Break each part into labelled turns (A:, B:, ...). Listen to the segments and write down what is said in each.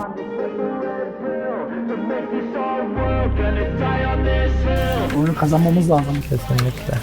A: Oyunu kazanmamız lazım.
B: Kesinlikle.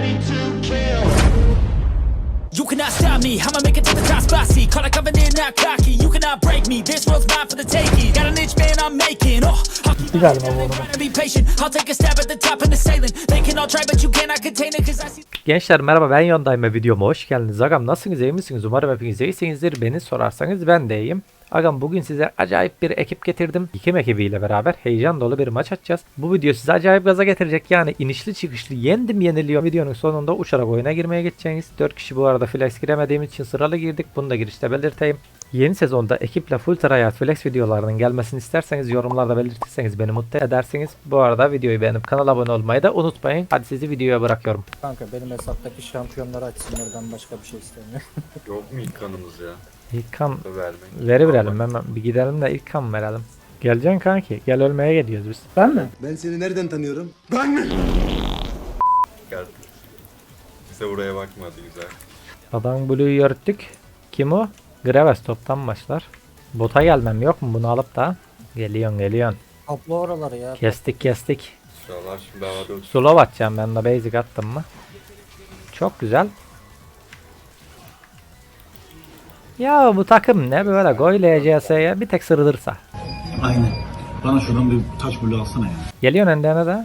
C: You cannot stop me, I'ma make it to the top spot. See, call like covenant, not cocky. You cannot break me, this world's mine for the taking. Got an inch, man, I'm making. Oh, I'll keep
A: Bir galiba bu arada.
C: be patient. I'll take a stab at the top and the sailing. They can all try, but you cannot contain it, cause I see.
B: Gençler merhaba, ben Yondayım ve videoma hoş geldiniz. Agam nasılsınız, iyi misiniz? Umarım hepiniz iyisinizdir. Beni sorarsanız ben de iyiyim. Agam bugün size acayip bir ekip getirdim. Kim ekibiyle beraber heyecan dolu bir maç atacağız. Bu video size acayip gaza getirecek. Yani inişli çıkışlı yendim yeniliyor. Videonun sonunda uçarak oyuna girmeye geçeceğiniz. 4 kişi bu arada flex giremediğimiz için sıralı girdik. Bunu da girişte belirteyim. Yeni sezonda ekiple full tryhard flex videolarının gelmesini isterseniz yorumlarda belirtirseniz beni mutlu edersiniz. Bu arada videoyu beğenip kanala abone olmayı da unutmayın. Hadi sizi videoya bırakıyorum.
D: Kanka benim hesaptaki şampiyonları açsınlar, ben başka bir şey istemiyorum.
E: Yok mu ilk kanımız ya?
B: İlk kan
E: Vermek.
B: verelim hemen bir gidelim de ilk kan verelim. Geleceksin kanki, gel ölmeye gidiyoruz biz.
A: Ben mi?
F: Ben seni nereden tanıyorum?
E: Geldi. Bize buraya bakmadı güzel.
B: Adam Blue'yu yörttük. Kim o? Graves toptan başlar. Bota gelmem yok mu bunu alıp da? Geliyorsun.
D: Topla oraları ya.
B: Kestik.
E: Sıralar şimdi havada uçuyor.
B: Slow atacağım ben de basic attım mı? Çok güzel. Ya bu takım ne böyle gol LCS'ye bir tek sırılırsa.
G: Aynen. Bana şuradan bir taş bulu alsana ya.
B: Geliyorsun endene de.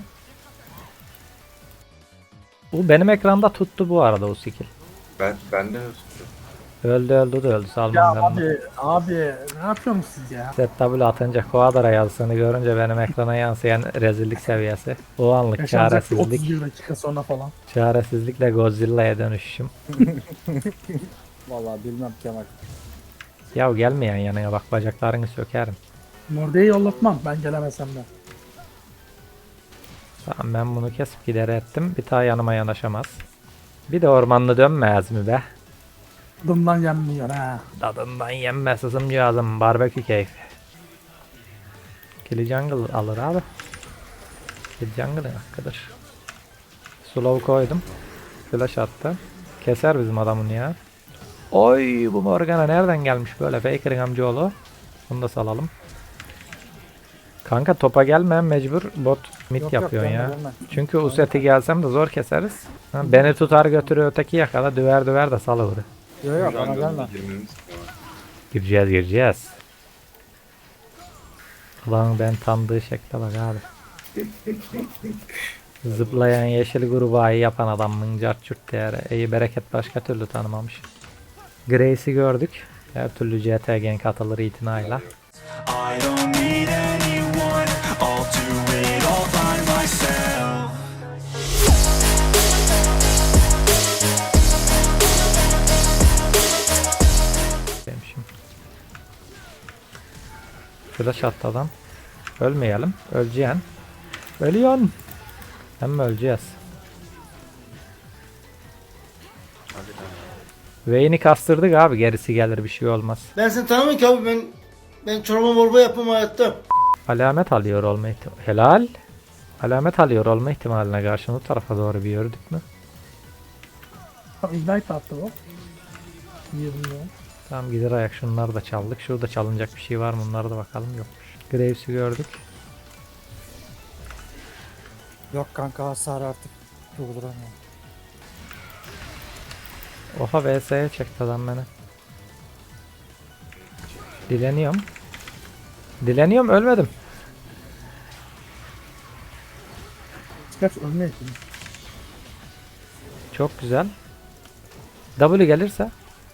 B: Bu benim ekranda tuttu bu arada o skill.
E: Ben de tuttum.
B: Öldü
A: Ya
B: salmam ben onu.
A: abi ne yapıyorsunuz siz ya?
B: ZW atınca Quadra yazısını görünce benim ekrana yansıyan rezillik seviyesi. O anlık
A: Yaşanacak bir
B: çaresizlik.
A: 31 dakika sonra falan.
B: Çaresizlikle Godzilla'ya dönüşüşüm.
D: Vallahi bilmem Kemal.
B: Ya gelmeyen yanına bak bacaklarını sökerim.
A: Morde'yi yollatmam ben gelemesem de.
B: Tamam ben bunu kesip gider ettim. Bir daha yanıma yanaşamaz. Bir de ormanlı dönmez mi be?
A: Dımdan yenmiyor ha.
B: Tadından yenmez ısımcağızım. Barbekü keyfi. Killy jungle alır abi. Killy jungle hakkıdır. Slow koydum. Flash attı. Keser bizim adamın ya. Oy bu Morgana nereden gelmiş böyle Faker'ın amcaoğlu. Bunu da salalım. Kanka topa gelme mecbur bot mid
D: Yok,
B: yapıyorsun
D: gelme,
B: ya.
D: gelme.
B: Çünkü Uset'i gelsem de zor keseriz. Ha, beni tutar götürür öteki yakala düver de salıvır.
D: Yok bana gelme.
E: Jungle'ın girmemiz istiyor.
B: Gireceğiz. Ulan ben tanıdığı şekle bak abi. Zıplayan yeşil grubayı yapan adam mıncar çürt değeri. İyi bereket başka türlü tanımamış. Grace'i gördük. Her türlü CT gank atılır itinayla.
C: I don't need anyone, I'll do it all by myself.
B: Demişim. Flash attı adam. Ölmeyelim. Öleceğin. Ölüyorsun. Hem öleceğiz. Vayne'i kastırdık abi. Gerisi gelir bir şey olmaz.
F: Ben seni tanımıyorum ki abi, ben çorba morba yapmam hayatta.
B: Alamet alıyor olma ihtimali. Helal. Alamet alıyor olma ihtimaline karşı o tarafa doğru bir yürüdük mü?
A: Tam ignite attı bu. İyi bilmiyorum.
B: Tamam gider ayak şunları da çaldık. Şurada çalınacak bir şey var mı? Onlara da bakalım yokmuş. Graves'i gördük.
D: Yok kanka hasar artık durduramıyorum.
B: Oha VS'ye çekti adam beni. Dileniyorum ölmedim.
A: Kaç ölmüyor ki.
B: Çok güzel. W gelirse.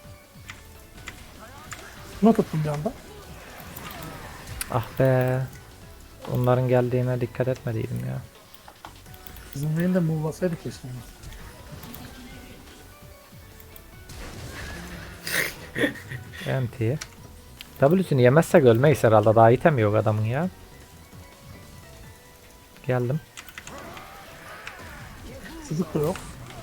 A: Buna tuttum bir anda.
B: Ah be. Onların geldiğine dikkat etmediydim ya.
A: Bizim Vayne'de move'lasaydık keşke.
B: NT. W'sünü yemezsek ölmeyiz herhalde. Daha item yok adamın ya. Geldim.
A: Çocuk da yok.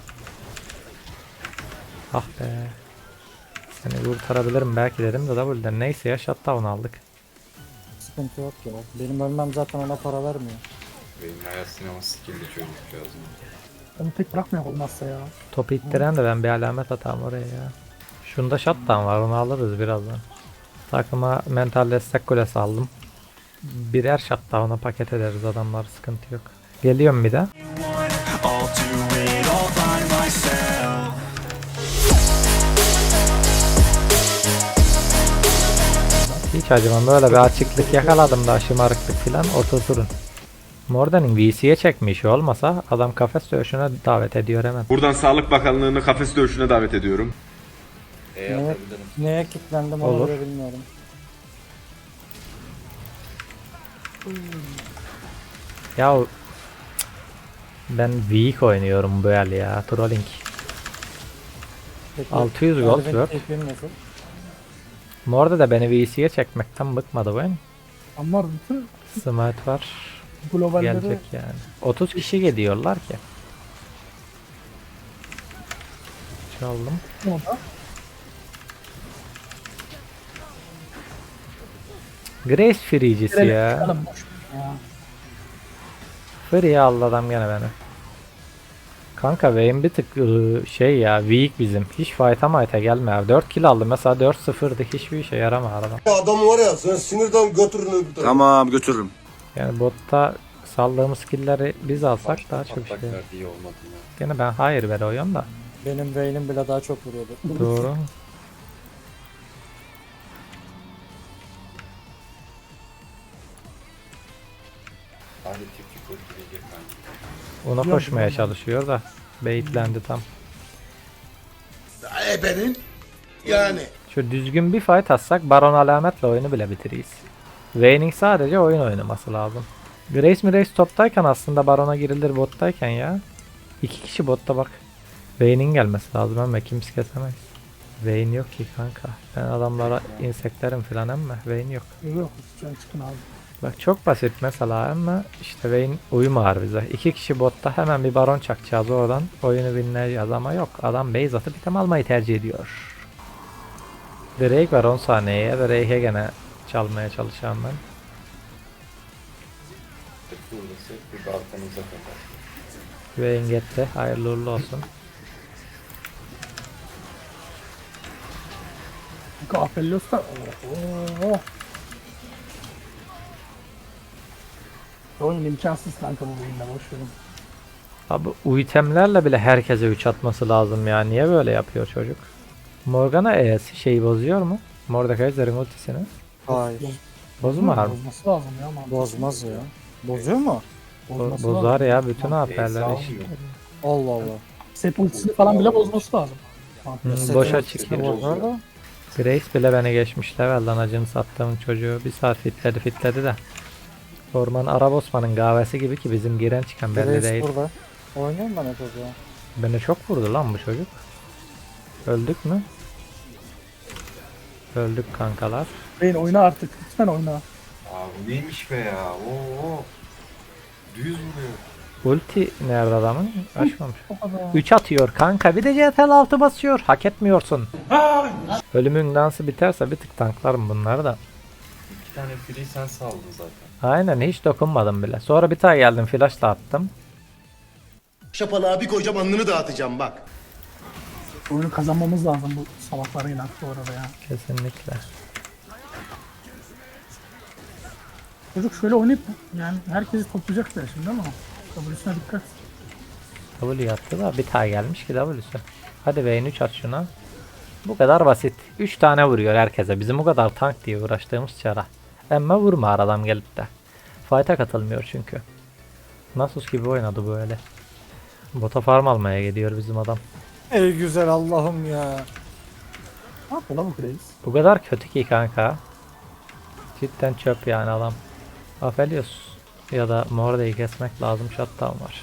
B: Ah be. Seni kurtarabilirim belki dedim de W'den. Neyse ya shutdown aldık.
D: Sıkıntı yok ya. Benim ölmem zaten ona para vermiyor.
E: Benim hayat sinema skill'li çocukcağız.
A: Onu tek bırakmayak olmazsa ya.
B: Topu ittiren de ben bir alamet atayım oraya ya. Şunda shutdown var onu alırız birazdan. Takıma mental destek kulesi aldım. Birer shutdown'a paket ederiz adamlar, sıkıntı yok. Geliyorum bir de. Hiç acımam, böyle bir açıklık yakaladım da şımarıklık filan oturturun. Morden'in VC'ye çekme işi olmasa adam kafes dövüşüne davet ediyor hemen.
H: Buradan Sağlık Bakanlığı'nı kafes dövüşüne davet ediyorum.
E: Atabilirim.
D: Neye kilitlendim onu
B: Olur.
D: bile bilmiyorum.
B: Ya ben weak oynuyorum bu el ya, trolling.
D: Peki,
B: 600 gold
D: Elvin
B: worth.
D: tekliğim nasıl?
B: Morde de beni VC'ye çekmekten bıkmadı bu en.
A: Ama bütün
B: Smite var.
A: globalleri
B: Gelecek yani. 30 kişi geliyorlar ki. Çaldım.
A: orada.
B: Grace free'cisi ya.
A: Çıkalım, boş ver ya.
B: Free aldı adam gene beni. Kanka Vayne bir tık şey ya, weak bizim. Hiç fight'a might'a gelme abi. 4 kill aldı mesela, 4-0'dı, hiçbir işe yaramadı adam.
I: Adam var ya, sen sinirden götürün öbür tarafa.
G: Tamam götürürüm.
B: Yani botta saldığımız skill'leri biz alsak daha çok
E: Patlak
B: şey.
E: verdi, iyi olmadı ya.
B: Gene ben hayır veriyorum da.
D: Benim Vayne'im bile daha çok vuruyordu.
B: Doğru.
E: Hadi tipçik öldürecek bence.
B: Ona koşmaya çalışıyor da baitlendi tam.
I: Benim yani.
B: Şu düzgün bir fight atsak Baron alametle oyunu bile bitiririz. Vayne'in sadece oyun oynaması lazım. Grace toptayken aslında Baron'a girilir bottayken ya. 2 kişi botta bak. Vayne'in gelmesi lazım ama kimse kesemez. Vayne yok ki kanka. Ben adamlara inseklerim filan ama Vayne yok.
A: Yok, sen çıkın abi.
B: Bak çok basit mesela ama işte Vayne uyumar bize. 2 kişi botta hemen bir Baron çakacağız oradan. Oyunu binleyeceğiz ama yok. Adam base atıp item almayı tercih ediyor. Drake var 10 saniyeye. Drake'e gene çalmaya çalışacağım ben.
E: Burası bir balkanıza kadar.
B: Vayne gitti. Hayırlı uğurlu olsun.
A: Aphelios da ooo. Oyun imkansız kanka bu oyunda, boş verin.
B: Abi o itemlerle bile herkese 3 atması lazım ya. Niye böyle yapıyor çocuk? Morgana E'si şeyi bozuyor mu? Mordekaiser'in ultisini.
D: Hayır.
B: Bozmar mı?
A: Bozması lazım ya. mantıklı.
D: Bozmaz ya. Bozuyor mu?
A: Bozması
B: Bozar
A: lazım.
B: ya bütün
E: Sağ
B: AP'ler.
E: olmuyor.
D: Allah Allah.
A: Set ultisini falan bile bozması lazım.
B: Boşa
D: Set'in
B: çıkıyor.
D: bozar da.
B: Grace bile beni geçmiş level'dan, acını sattığım çocuğu bir saat fitledi de. Orman Arap Osman'ın kahvesi gibi ki bizim giren çıkan belli
D: Grace
B: değil.
D: burada. Oynuyorum ben hep o zaman.
B: Beni çok vurdu lan bu çocuk. Öldük mü? Öldük kankalar.
A: Beyin oyna artık. Lütfen oyna.
E: Aa bu neymiş be ya? Oo. Düz vuruyor.
B: Ulti nerede adamın? Açmamış.
A: O kadar.
B: 3 atıyor kanka, bir de CTRL 6 basıyor. Hak etmiyorsun. Ölümün dansı biterse bir tık tanklarım bunları da.
E: 2 tane free sen saldın zaten.
B: Aynen, hiç dokunmadım bile. Sonra bir tane geldim flashla attım.
I: Şapalığa bir koyacağım, alnını dağıtacağım bak.
A: Oyunu kazanmamız lazım bu salaklarıyla bu arada ya.
B: Kesinlikle.
A: Çocuk şöyle oynayıp yani herkesi toplayacak da şimdi ama W'sine dikkat.
B: W yaptı da bir tane gelmiş ki W'su. Hadi Vayne 3 at şuna. Bu kadar basit. 3 tane vuruyor herkese. Bizim bu kadar tank diye uğraştığımız çara. Ama vurma adam gelip de. Fight'a katılmıyor çünkü. Nasus gibi oynadı böyle. Bota farm almaya gidiyor bizim adam.
D: Ey güzel Allah'ım ya.
A: Ne yapıyor lan bu Grace?
B: Bu kadar kötü ki kanka. Cidden çöp yani adam. Aphelios ya da Morde'yi kesmek lazım, shutdown var.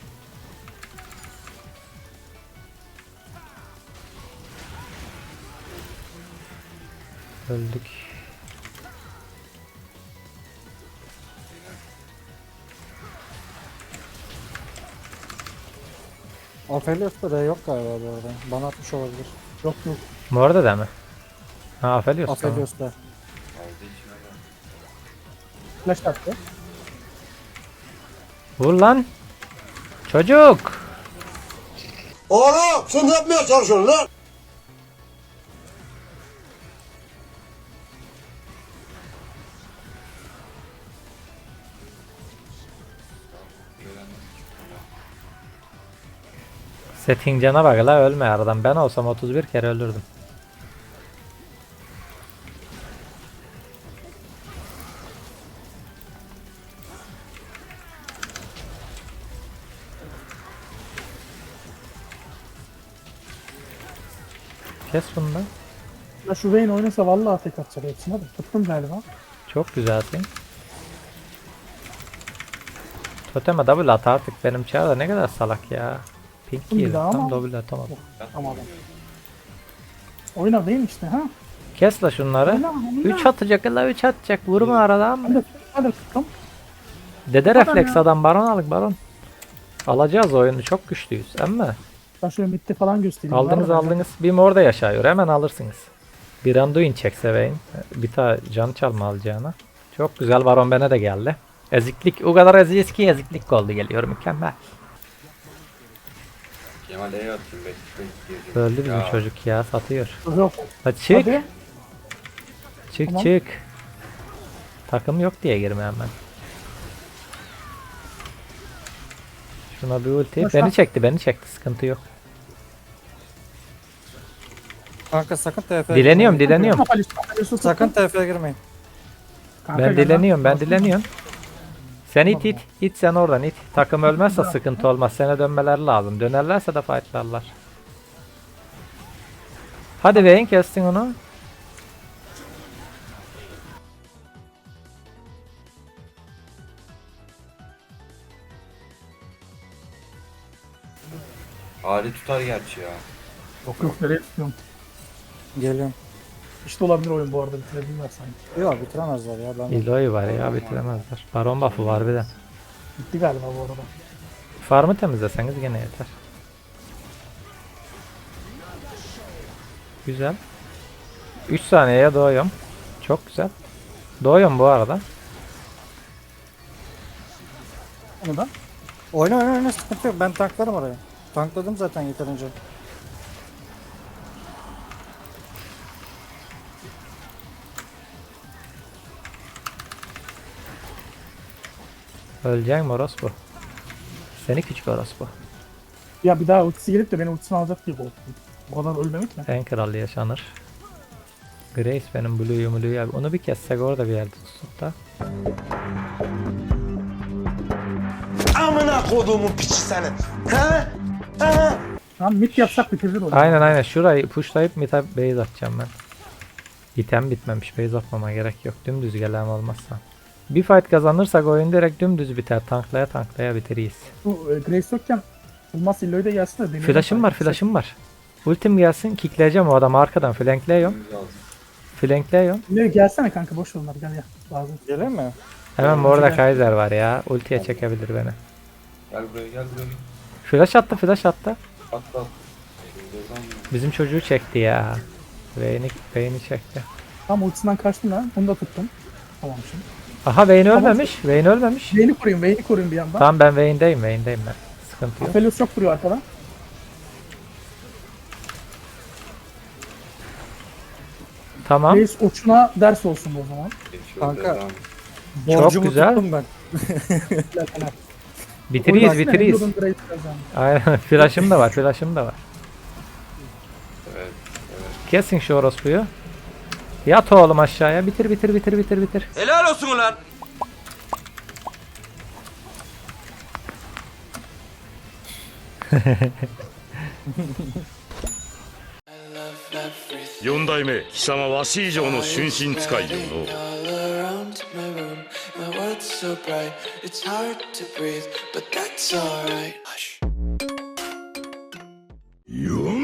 B: Öldük.
D: Aphelios'ta da yok galiba bu arada. Bana atmış olabilir.
A: Yok yok.
B: Morde de mi? Ha Aphelios tamam.
D: Aphelios'ta.
E: Aldı içine gel.
A: Flash attı.
B: Vur lan. Çocuk.
I: Oğlum sen ne yapmaya çalışıyorsun lan?
B: Setting cana bak la, ölme aradan. Ben olsam 31 kere ölürdüm. Kes bunu da.
A: Ya şu Vayne oynasa vallahi tek atacak hepsine de. Tuttum galiba.
B: Çok güzelsin. Toteme double at artık, benim çağda ne kadar salak ya. Pink
A: Bir
B: girdi
A: daha
B: tam
A: ama-
B: double atamadım.
A: Tamam. Oyna Vayne işte ha.
B: Kes la şunları.
A: Oyna, oyna.
B: 3 atacak la, 3 atacak. Vurma aradan.
A: Hadi tuttum.
B: Dede
A: Adam
B: refleks
A: ya.
B: adam, baron alık baron. Alacağız oyunu, çok güçlüyüz ama.
A: Ben şöyle midde falan göstereyim.
B: Aldınız
A: Var mı?
B: aldınız. Bir orada yaşıyor, hemen alırsınız. Bir Anduin çekse Vayne. Bir tane can çalma alacağına. Çok güzel, baron bana da geldi. Eziklik, o kadar eziyiz ki eziklik oldu, geliyor mükemmel.
E: Kemal E'ye atayım bekle.
B: Öldü bizim çocuk ya, satıyor.
A: Yok.
B: Hadi çık.
A: Hadi.
B: Çık
A: Tamam.
B: çık. Takım yok diye girme hemen. Şuna bir ulti.
A: Boş ver.
B: Beni çekti, sıkıntı yok.
D: Kanka sakın TF'ye
B: Dileniyorum.
D: Sakın TF'ye girmeyin.
A: Kanka
B: Ben
A: gel
B: dileniyorum,
A: lan.
B: Sen it sen oradan it. Takım ölmezse sıkıntı olmaz. Sana dönmeleri lazım. Dönerlerse de fightlarlar. Hadi Vayne, kestin onu.
E: Ali tutar gerçi ya.
A: Yok nereye tutuyorum.
D: Geliyorum.
A: İşte olabilir oyun bu arada, bitirebilirler sanki.
D: Yok bitiremezler ya. Ben
B: Eloy var ya, bitiremezler. Baron buff'ı var bir de.
A: Bitti galiba bu arada.
B: Farmı temizleseniz gene yeter. Güzel. 3 saniyeye doğuyorum. Çok güzel. Doğuyorum bu arada.
A: Onu da.
D: oyna sıkıntı yok. Ben tanklarım oraya. Tankladım zaten yeterince.
B: Öleceksin orospu. Seni küçük orospu.
A: Ya bir daha ultisi gelip de beni ultisini alacak diye korktum. Bu kadar ölmemek mi?
B: En kralı yaşanır. Grace benim Blue'yu ya. Onu bir kessek orada bir yerde tutup da.
I: Amına koduğumun piçi senin. He? He?
A: Tamam mid yapsak bitirir oyunu.
B: Aynen şurayı pushlayıp mid'e base atacağım ben. İtem bitmemiş, base atmama gerek yok. Dümdüz gelen olmazsa. Bir fight kazanırsak oyun direkt dümdüz biter. Tanklaya biteriyiz.
A: Bu Grace yokken Bulmaz Illoy da gelsin de deneyelim.
B: Flash'ım var. Ultim gelsin, kickleyeceğim o adamı arkadan, flankliyorum.
A: Illoy gelsene kanka, boş ver onları, gel ya. Lazım.
D: Gelir mi?
B: Hemen orada Kaiser var ya. Ultiye çekebilir beni.
E: Gel buraya.
B: Flash attı.
E: Atla.
B: Bizim çocuğu çekti ya. Vayne'i çekti.
A: Tamam ultisinden kaçtım lan. Onu da tuttum. Tamam şimdi.
B: Aha Vayne ölmemiş.
A: Vayne'i koruyun bir yandan.
B: Tamam ben Vayne'deyim ben. Sıkıntı yok.
A: Aphelios çok vuruyor arkadan.
B: Tamam.
A: Grace uçuna ders olsun o zaman.
D: Kanka.
B: Çok
D: Borcumu
B: güzel.
D: tuttum ben.
A: Gel Fener.
B: Biteriyiz.
A: Oynarsana, Grace kazandı.
B: Aynen. Flash'ım da var.
E: Evet.
B: Kesin şu orospuyu. Yat oğlum aşağıya. Bitir.
I: Helal olsun ulan.
J: 4代目貴様わし以上の春心使いよの よ